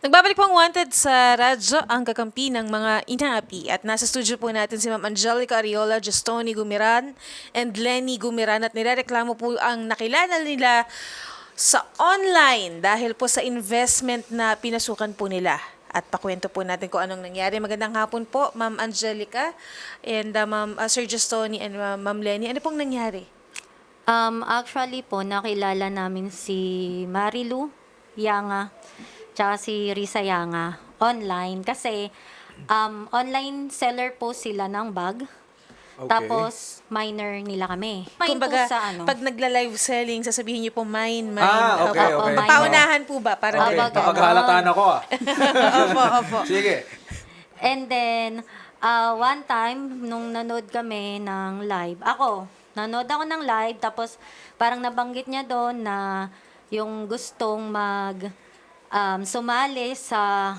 Nagbabalik po ang Wanted sa radyo, ang kakampi ng mga inaapi. At nasa studio po natin si Ma'am Angelica Ariola, Justoni Gumiran, and Lenny Gumiran. At nirereklamo po ang nakilala nila sa online dahil po sa investment na pinasukan po nila. At pakwento po natin kung anong nangyari. Magandang hapon po, Ma'am Angelica, and Ma'am Sir Justoni, and Ma'am Lenny. Ano pong nangyari? Actually po, nakilala namin si Marilu Yanga tsaka si Risa Yanga online kasi online seller po sila ng bag. Okay. Tapos minor nila kami. Mine Kumbaga, po sa ano. pag nagla-live selling, sasabihin niyo po mine. Okay, Opo, okay. minor. Paunahan po ba? Parang Okay, Opo, ganito. napaghalataan ako Opo, opo. Sige. And then, one time, nung nanood kami ng live, nanood ako ng live, tapos parang nabanggit niya doon na yung gustong sumali sa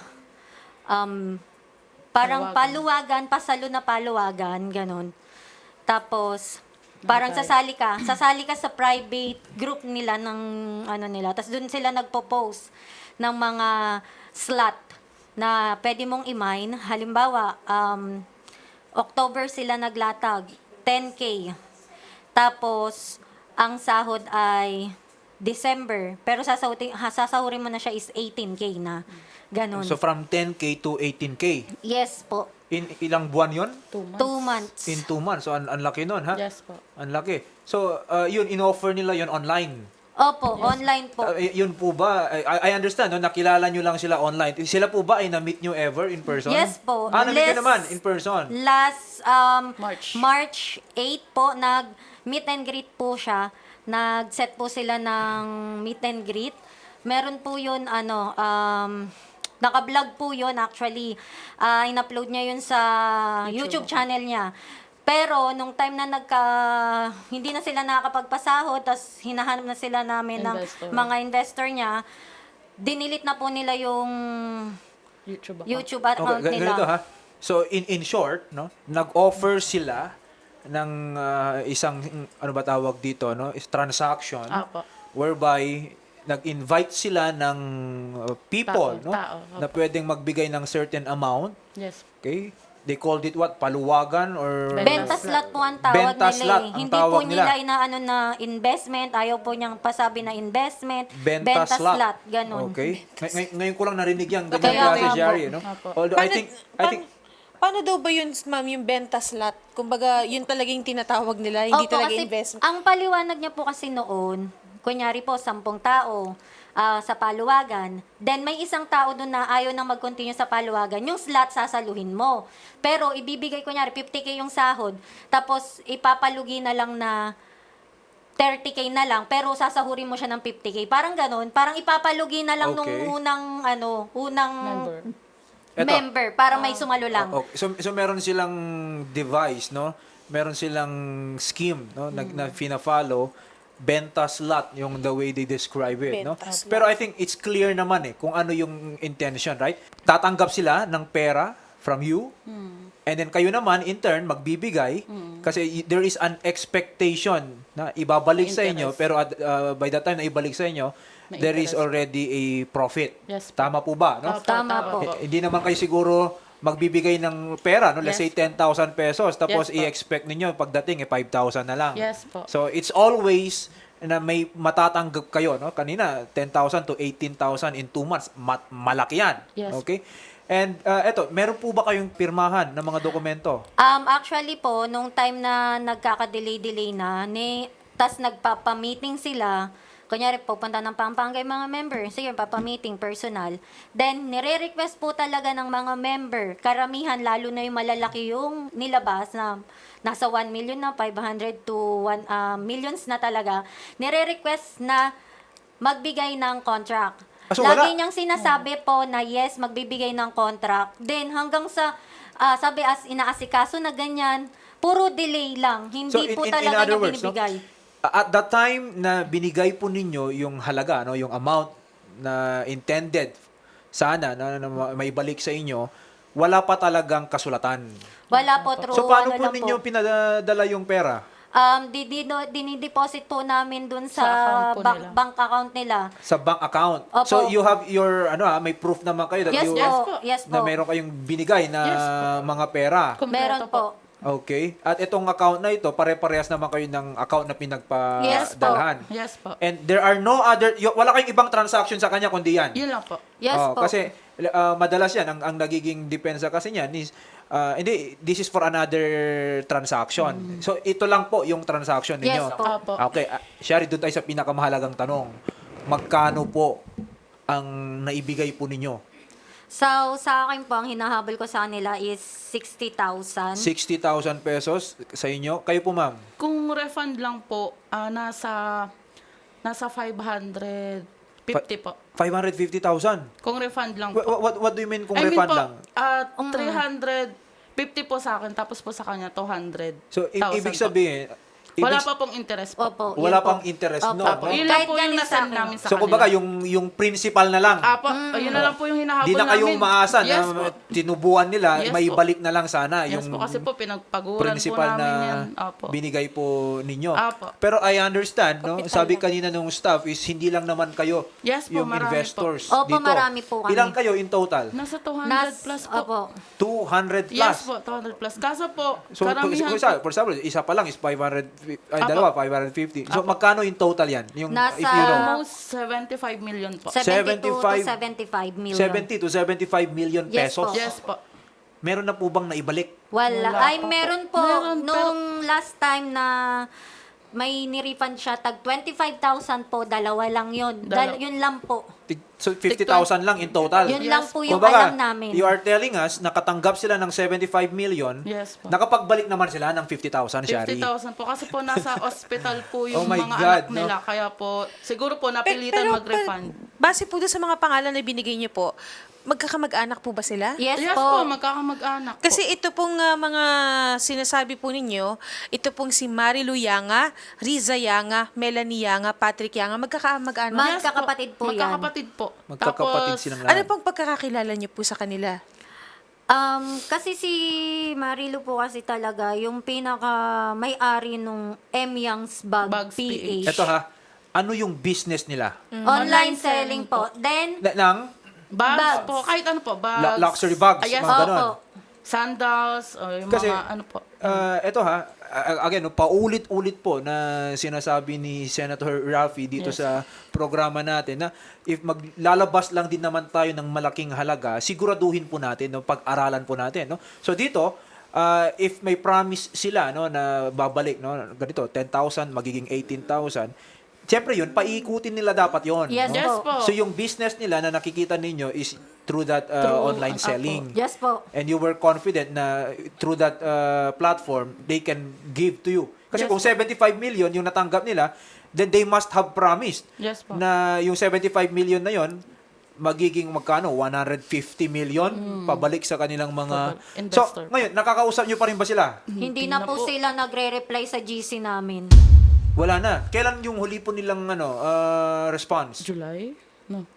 parang paluwagan, pasalo na paluwagan, ganun. Tapos, parang sasali ka sa private group nila ng ano nila. Tapos doon sila nagpo-post ng mga slot na pwede mong i-mine. Halimbawa, October sila naglatag, 10K. Tapos, ang sahod ay December. Pero sasahurin mo na siya is 18K na. Ganon. So from 10K to 18K. Yes po. In ilang buwan yon? 2 months. In 2 months. So ang laki nun, ha? Yes po. Ang laki. So yun, in-offer nila yun online. Opo, online po. Yun po ba, I understand, no? Nakilala nyo lang sila online. Sila po ba ay na-meet nyo ever in person? Yes po. Na-meet nyo naman in person? Last March. 8 po, nag-meet and greet po siya. Nag-set po sila ng meet and greet. Meron po yun, naka-vlog po yun actually. In-upload niya yun sa YouTube channel niya. Pero, nung time na hindi na sila nakakapagpasahod, tas hinahanap na sila namin Investor. ng mga investor niya, dinilit na po nila yung YouTube account Okay, nila. ganito, ha? So in short, no, nag-offer sila ng isang ano ba tawag dito, no, is transaction Apo. whereby nag-invite sila ng people, no, Tao, na pwedeng magbigay ng certain amount. Yes. Okay? They called it what? Paluwagan or Benta slot po ang tawag Benta nila slot eh. ang Hindi tawag po nila. nila inaano na investment. Ayaw po niyang pasabi na investment. Benta slot. Ganun. Okay? Ngayon ko lang narinig yan, ganyan Kaya klase, nga po. Jerry, no? Apo. Although I think Paano daw ba yun, ma'am, yung benta slot? Kumbaga, yun talagang tinatawag nila, hindi Opo, talaga kasi investment. ang paliwanag niya po kasi noon, kunyari po, 10 tao sa paluwagan. Then may isang tao doon na ayaw nang mag-continue sa paluwagan. Yung slot, sasaluhin mo. Pero ibibigay, kunyari, 50K yung sahod. Tapos ipapalugi na lang na 30K na lang, pero sasahurin mo siya ng 50K. Parang ganun. Parang ipapalugi na lang nung Okay. unang Member. member para may sumalo lang. Okay. So meron silang device, no? Meron silang scheme, no? Na fina-follow. Benta slot yung the way they describe it, no? Benta slot. Pero I think it's clear naman kung ano yung intention, right? Tatanggap sila ng pera from you. And then kayo naman in turn magbibigay kasi there is an expectation na ibabalik sa inyo, Interest. pero by the time na ibalik sa inyo, May there is interest. already a profit. Yes po. Tama po ba, no? Opo, Tama po. Hindi naman kayo siguro magbibigay ng pera, no? Let's say Yes. 10,000 pesos, tapos Yes po. i-expect ninyo pagdating 5,000 na lang. Yes po. So it's always na may matatanggap kayo, no? Kanina 10,000 to 18,000 in 2 months. Malaki yan. Yes. Okay? And eto, meron po ba kayong pirmahan ng mga dokumento? Actually po, nung time na nagkaka-delay-delay na, tas nagpapa-meeting sila, kunyari, pupunta ng Pampanga yung mga member, sige, papa-meeting, personal. Then, nire-request po talaga ng mga member, karamihan, lalo na yung malalaki yung nilabas na nasa 1 million na, 500 to 1 millions na talaga, nire-request na magbigay ng contract. So wala? Lagi niyang sinasabi po na yes, magbibigay ng contract. Then hanggang sa, sabi inaasikaso na ganyan, puro delay lang. Hindi po talaga niya binibigay. At the time na binigay po ninyo yung halaga, no, yung amount na intended sana na maibalik sa inyo, wala pa talagang kasulatan. Wala po, true. So paano ano po lang ninyo pinadala yung pera? Dinideposit po namin dun sa, Sa account po nila. bank account nila. Sa bank account. Opo. So you have your may proof naman kayo that Yes you po. Yes na po. meron kayong binigay na Yes po. mga pera. Meron Kompleto po. Okay. At itong account na ito, pare-parehas naman kayo ng account na Yes po. pinagpadalhan. Yes po. And there are no other, wala kayong ibang transaction sa kanya kundi yan. Yun lang po. Yes po. Kasi madalas yan, ang nagiging depensa kasi niyan is, hindi, this is for another transaction. So ito lang po yung transaction ninyo. Yes po. Opo. Okay, Shari, doon tayo sa pinakamahalagang tanong. Magkano po ang naibigay po ninyo? So, sa akin po, ang hinahabol ko sa kanila is 60,000. 60,000 pesos sa inyo. Kayo po, ma'am? Kung refund lang po, nasa 550 po. 550,000. Kung refund lang po. What do you mean kung I mean refund po, lang? 350 po sa akin, tapos po sa kanya 200. So, ibig sabihin, Wala pa pong interest po. Opo. wala yun po. pang interest, Opo. no? Apo, no? yun lang Kahit po yung galing sa nasend akin. namin sa So, kanila. kumbaga, yung principal na lang. Apo, yun na lang po yung hinahabol Di na kayo namin. umaasa Yes na po. tinubuan nila, Yes may po. balik na lang sana Yes yung po, kasi po pinagpaguran po principal namin na yan. Apo. binigay po ninyo. Apo. Pero I understand, no? Kapital Sabi lang. kanina nung staff is hindi lang naman kayo Yes po, yung marami investors po. Opo, dito. marami po kami. Ilang kayo in total? Nasa 200 plus po. Opo. 200 plus. Yes po, 200 plus. Kaso po, So, karamihan for example, isa pa lang is 500, ay, Apo. dalawa, 550. So, Apo. magkano in total yan? Yung, Nasa- if you know, almost 75 million po. 72 to 75 75 million. 70 to 75 million Yes pesos. po. Yes po. Meron na po bang naibalik? Wala. Wala Ay, pa po. meron po. Meron, Nung last time na may nirefund siya, tag 25,000 po, dalawa lang yun. Yun lang po. So, 50,000 lang in total. Yun Yes. lang po yung Kumbaga, alam namin. you are telling us, nakatanggap sila ng 75 million, Yes po. nakapagbalik naman sila ng 50,000, Shari. 50,000 po. Kasi po nasa hospital po yung Oh my mga God, anak no? nila. Kaya po, siguro po napilitan mag-refund. Base po doon sa mga pangalan na binigay niyo po, magkakamag-anak po ba sila? Yes, Yes po. po, magkakamag-anak po. Kasi ito pong mga sinasabi po ninyo, ito pong si Marilu Yanga, Riza Yanga, Melanie Yanga, Patrick Yanga, magkakamag-anak. Magkakapatid po yan. Magkakapatid po. Magkakapatid Tapos, silang Ano lahat. pong pagkakakilala niyo po sa kanila? Kasi si Marilu po kasi talaga yung pinaka may-ari nung M. Young's Bag Bags PH. Ito ha, ano yung business nila? Online selling po. Then, Ng bags Bags. po. Kahit ano po. Bags. luxury bags, Yes, mga ganon. opo. Sandals. O yung Kasi, mga ano po. ito ha, again, no, paulit-ulit po na sinasabi ni Senator Raffy dito Yes. sa programa natin na if maglalabas lang din naman tayo ng malaking halaga, siguraduhin po natin, no, pag-aralan po natin. No? So dito, if may promise sila no, na babalik, no, ganito, 10,000, magiging 18,000, siyempre yun, paikutin nila dapat yon. Yes, no? Yes po. So yung business nila na nakikita ninyo is through that online selling. yes po. And you were confident na through that platform, they can give to you. Kasi Yes, kung 75 million yung natanggap nila, then they must have promised Yes po. na yung 75 million na yon magiging magkano? 150 million pabalik sa kanilang mga... So, Investor. ngayon, nakakausap nyo pa rin ba sila? Hindi na po sila nagre-reply sa GC namin. Wala na. Kailan yung huli po nilang response? July? No.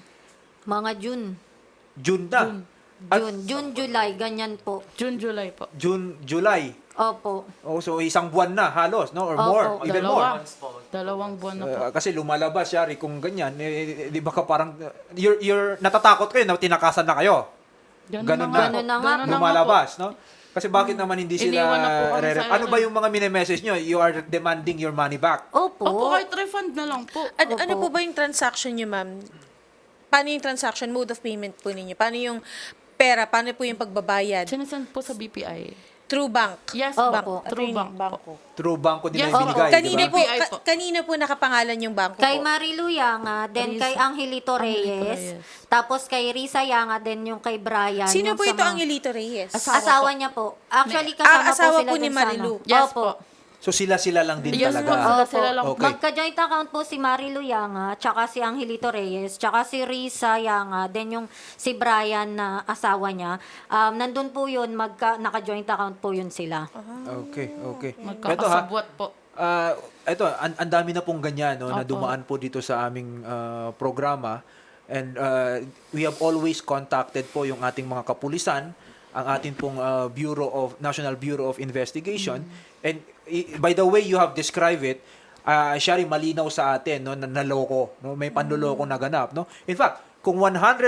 Mga June. June na. June, July, ganyan po. June, July po. June, July. Opo. Oh, so isang buwan na halos, no? Or Opo. more, even more. Dalawang buwan na po. Kasi lumalabas, Shari, kung ganyan, di ba ka parang, you're natatakot kayo na tinakasan na kayo. Ganun na. Ganun na nga. Ganun na nga Lumalabas, no? Kasi bakit naman hindi sila Iniwan na po kami sa ano ba yung mga mini-message nyo? You are demanding your money back. Opo. Opo, kahit refund na lang po. Ano po ba yung transaction niyo, ma'am? Paano yung transaction, mode of payment po ninyo? Paano yung pera? Paano po yung pagbabayad? Sinasend po sa BPI. Through bank? Yes, Opo. bank. True Attorney, bank po. bangko. Through banko nila Yes, yung binigay, Kanina di ba? po, BPI po. kanina po nakapangalan yung bangko Kay po. Marilu Yanga, then kay Angelito Reyes, tapos kay Risa Yanga, then yung kay Brian. Sino yung po sa ito mga- ang Elito Reyes? Asawa niya po. Actually, kasama asawa po sila po ni dun sa Marilu. ano. Yes Opo. po. So sila lang din Yes po, talaga. sila lang. Okay. Magka-joint account po si Marilu Yanga, tsaka si Angelito Reyes, tsaka si Risa Yanga, then yung si Brian na asawa niya. Nandun po yun, naka-joint account po yun sila. Okay, okay. Ito ha, Magkakasabwat po. ito, ang dami na pong ganyan, no, na dumaan po dito sa aming programa. And we have always contacted po yung ating mga kapulisan ang atin pong National Bureau of Investigation. And by the way you have described it, Shari, malinaw sa atin, no, na naloko, no, may panloloko na ganap, no. In fact, kung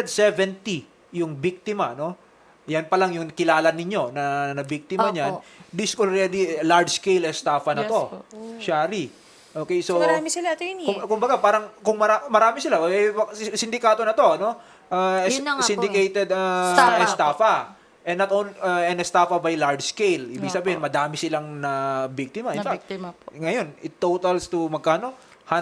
170 yung biktima, no, yan pa lang yung kilala ninyo na biktima Opo. niyan, this already large scale estafa na Yes to. po. Shari. Okay, So, marami sila, attorney. kumbaga parang kung marami sila, sindikato na to, no? Yun na nga po Syndicated estafa. And not on and estafa by large scale. Ibig Yeah sabihin, po. madami silang na biktima. In Na fact, biktima po. ngayon, it totals to magkano?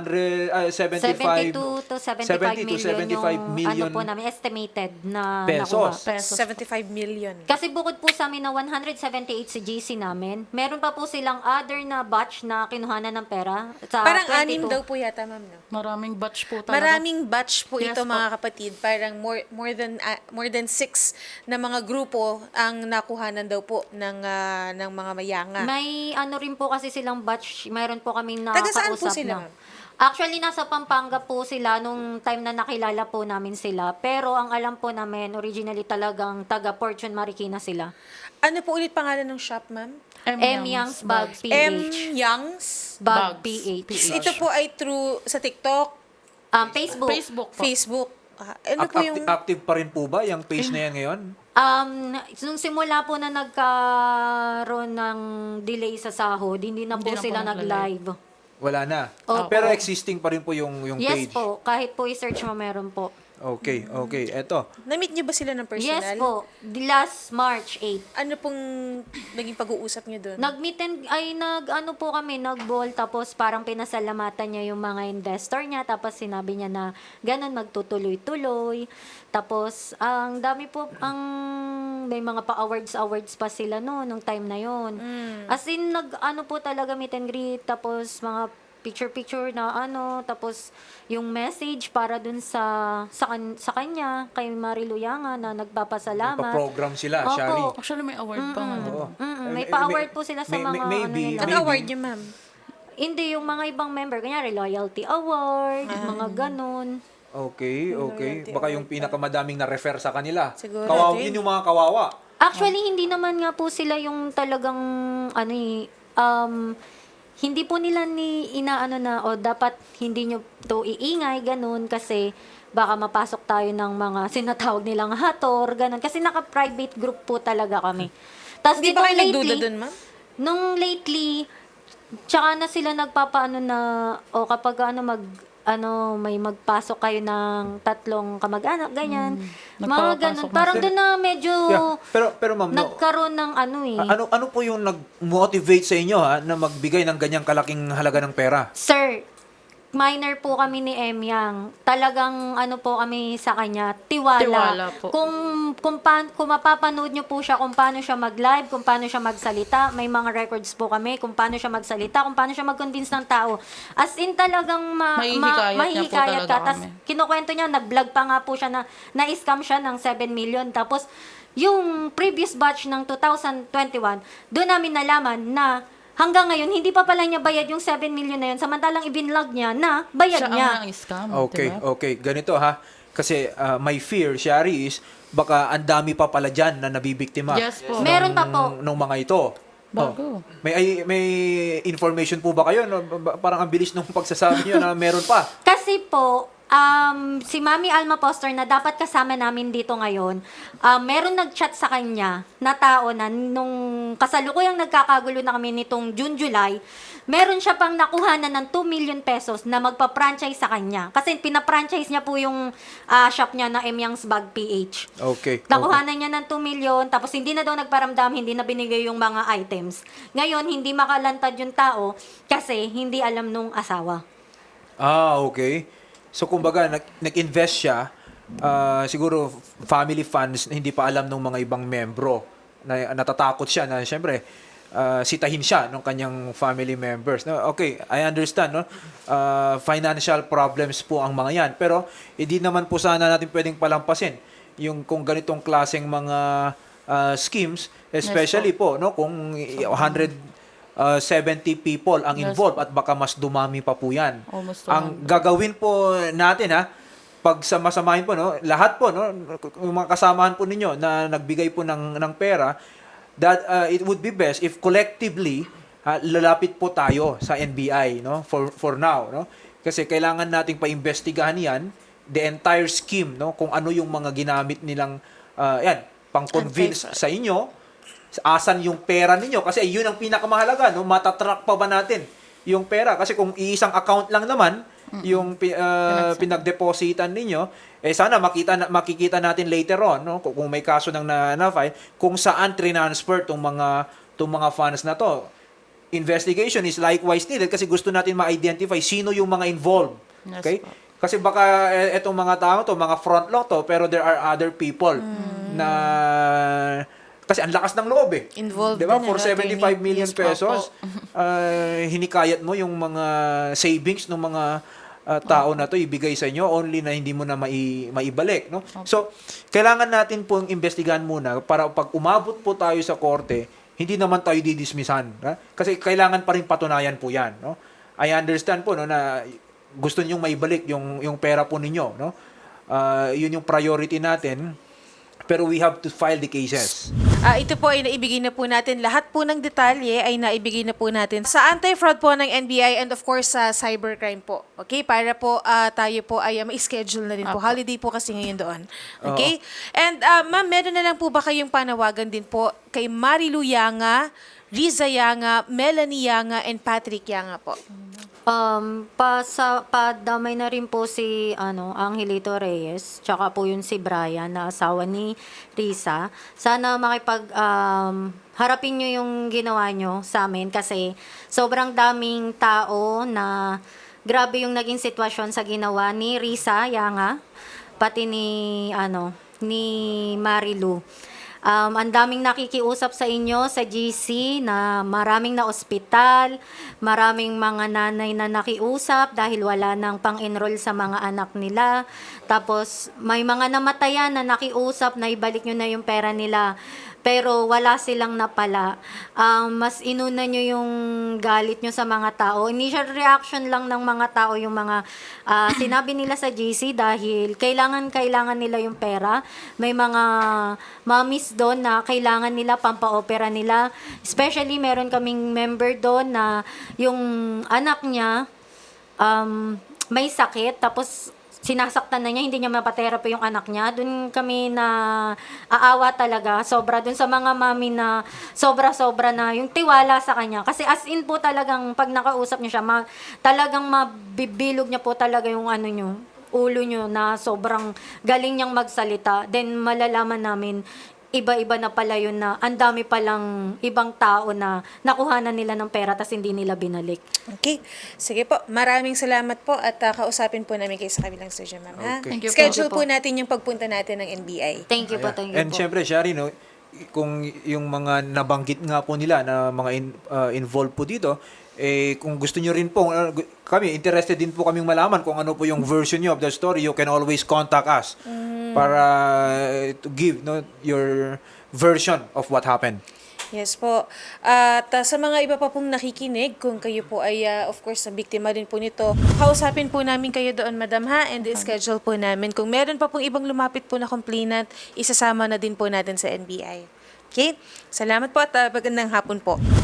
72 to 75 70 to million 75 million ano po namin, estimated na pesos. nakuha. Pesos. 75 million. Kasi bukod po sa amin na 178 sa GC namin, meron pa po silang other na batch na kinuhanan ng pera. Sa Parang 22. anim daw po yata, ma'am, no? Maraming batch po talaga. Maraming batch po Yes ito, po. mga kapatid. Parang more than 6 na mga grupo ang nakuhanan daw po ng mga mayanga. May ano rin po kasi silang batch, mayroon po kaming Taga saan po nakakausap sila, na. ma'am? Actually, nasa Pampanga po sila nung time na nakilala po namin sila. Pero ang alam po namin, originally talagang taga Fortune Marikina sila. Ano po ulit pangalan ng shop, ma'am? M. Young's Bag M. PH. Young's. Bag Bags. PH. Ito po ay through sa TikTok, Facebook. Facebook po. Facebook. Ano po yung... Active pa rin po ba yung page na yan ngayon? Nung simula po na nagkaroon ng delay sa sahod, hindi na po Hindi na po sila nagla-live. nag-live. Wala na. Opo. Pero existing pa rin po yung Yes page. po, kahit po i-search mo meron po. Okay, okay. Eto. Na-meet niyo ba sila ng personal? Yes po, last March 8. Ano pong naging pag-uusap niyo doon? Nag-meet and, ano po kami, nag-ball, tapos parang pinasalamatan niya yung mga investor niya, tapos sinabi niya na ganun, magtutuloy-tuloy. Tapos, ang dami po, may mga pa-awards pa sila nung time na yon. As in, ano po talaga meet and greet, tapos mga picture na tapos yung message para dun sa kanya, kay Marilu Yanga na nagpapasalamat. Pa-program sila, Opo. Shari. Actually, may award pa nga. Oo. May pa-award po sila sa mga maybe, nila. Ano maybe. award niyo, ma'am? Hindi, yung mga ibang member, kanyari Loyalty Award, mga ganun. Okay, okay. Baka yung pinakamadaming na-refer sa kanila. Siguro, Kawawa, din. yun yung mga kawawa. Actually, hindi naman nga po sila yung talagang, hindi po nila inaano na, dapat hindi nyo to iingay, ganun, kasi baka mapasok tayo ng mga sinatawag nilang hator, ganun. Kasi naka-private group po talaga kami. Tapos Hindi ba kayo nagduda doon, ma'am? Nung lately, tsaka na sila nagpapaano na, kapag may magpasok kayo ng 3 kamag-anak, ganyan. Mga Nagpapasok ganun. na Parang sila. doon na medyo Yeah. Pero ma'am, no, nagkaroon ng ano po yung nag-motivate sa inyo na magbigay ng ganyang kalaking halaga ng pera? Sir, minor po kami ni Emyang. Talagang po kami sa kanya, tiwala. Tiwala po. Kung mapapanood nyo po siya kung paano siya mag-live, kung paano siya magsalita, may mga records po kami kung paano siya magsalita, kung paano siya mag-convince ng tao. As in talagang Mahihikayat niya po mahihikayat talaga ka. Tapos kami. kinukwento niya, nag-vlog pa nga po siya na-scam siya ng 7 million. Tapos yung previous batch ng 2021, doon namin nalaman na hanggang ngayon, hindi pa pala niya bayad yung 7 million na yun. Samantalang ibinlog niya na bayad Siya niya. ang scam. Okay, diba? okay. Ganito ha. Kasi my fear, Shari, is baka ang dami pa pala dyan na nabibiktima. Yes po. Meron pa po. Nung mga ito. Bago. May information po ba kayo? No? Parang ang bilis nung pagsasabi niyo na meron pa. Kasi po, si Mami Alma Poster na dapat kasama namin dito ngayon, meron nag-chat sa kanya na tao na nung kasalukuyang nagkakagulo na kami nitong June, July, meron siya pang nakuhanan ng 2 million pesos na magpa-franchise sa kanya. Kasi pina-franchise niya po yung shop niya na M. Young's Bag PH. Okay. Nakuhanan niya ng 2 million, tapos hindi na daw nagparamdam, hindi na binigay yung mga items. Ngayon, hindi makalantad yung tao kasi hindi alam nung asawa. Okay. So, kumbaga, nag-invest siya, siguro family funds na hindi pa alam ng mga ibang membro. Na natatakot siya na, syempre, sitahin siya ng kanyang family members. No, okay, I understand, no? Financial problems po ang mga yan. Pero, hindi naman po sana natin pwedeng palampasin yung kung ganitong klaseng mga schemes, especially po, no? Kung 170 people ang Yes. involved at baka mas dumami pa po yan. Almost Ang gagawin po natin pag samasamahin po, no, lahat po, no, yung mga kasamahan po ninyo na nagbigay po ng pera, that it would be best if collectively lalapit po tayo sa NBI, no, for now, no, kasi kailangan nating paimbestigahan yan, the entire scheme, no, kung ano yung mga ginamit nilang yan, pang-convince sa inyo, asan yung pera ninyo, kasi yun ang pinakamahalaga, no, matatrack pa ba natin yung pera, kasi kung iisang account lang naman yung pinagdepositan ninyo, sana makikita natin later on, no, kung may kaso nang na-file, kung saan transfer tong mga funds na to. Investigation is likewise needed kasi gusto natin ma-identify sino yung mga involved. Yes Okay? po. Kasi baka etong mga tao to, mga front lang to, pero there are other people na kasi ang lakas ng loob eh. Involved Diba? din, For ano, 75 attorney? million Yes po, pesos, hinikayat mo yung mga savings ng mga tao na to ibigay sa inyo only na hindi mo na maibalik, no? So, kailangan natin pong imbestigahan muna para pag umabot po tayo sa korte, hindi naman tayo didismissan, ha? Kasi kailangan pa rin patunayan po 'yan, no? I understand po, no, na gusto ninyong maibalik yung pera po ninyo, no? Yun yung priority natin. Pero we have to file the cases. Ito po ay naibigay na po natin. Lahat po ng detalye ay naibigay na po natin sa anti-fraud po ng NBI and of course sa cybercrime po. Okay? Para po tayo po ay ma-schedule na rin po. Holiday po kasi ngayon doon. Okay? And ma'am, meron na lang po ba kayong panawagan din po kay Marilu Yanga, Riza Yanga, Melanie Yanga, and Patrick Yanga po? Padamay na rin po si Angelito Reyes, tsaka po yun si Brian na asawa ni Risa. Sana harapin nyo yung ginawa nyo sa amin kasi sobrang daming tao na grabe yung naging sitwasyon sa ginawa ni Risa Yanga, pati ni Marilu. Ang daming nakikiusap sa inyo sa GC na maraming na ospital, maraming mga nanay na nakiusap dahil wala nang pang-enroll sa mga anak nila. Tapos may mga namatayan na nakiusap na ibalik nyo na yung pera nila. Pero wala silang napala. Mas inuna nyo yung galit nyo sa mga tao. Initial reaction lang ng mga tao yung mga sinabi nila sa GC dahil kailangan nila yung pera. May mga mommies doon na kailangan nila pampa-opera nila. Especially meron kaming member doon na yung anak niya may sakit tapos sinasaktan na niya, hindi niya mapatherapy yung anak niya. Doon kami na aawa talaga. Sobra doon sa mga mami na sobra-sobra na yung tiwala sa kanya. Kasi as in po talagang pag nakausap niyo siya, talagang mabibilog niya po talaga yung ulo niyo na sobrang galing niyang magsalita. Then malalaman namin iba-iba na pala yun na ang dami palang ibang tao na nakuhanan nila ng pera tas hindi nila binalik. Okay. Sige po. Maraming salamat po at kausapin po namin kayo sa kabilang studio, ma'am. Ha? Okay. Thank you po. Schedule po natin yung pagpunta natin ng NBI. Thank you po, thank you And po. syempre, Shari, no, kung yung mga nabanggit nga po nila na mga involved po dito, kung gusto nyo rin po, kami, interested din po kaming malaman kung ano po yung version nyo of the story, you can always contact us para to give your version of what happened. Yes po. At sa mga iba pa pong nakikinig, kung kayo po ay, of course, na biktima din po nito, kausapin po namin kayo doon, madam, ha? And schedule po namin. Kung meron pa pong ibang lumapit po na complainant, isasama na din po natin sa NBI. Okay? Salamat po at magandang hapon po.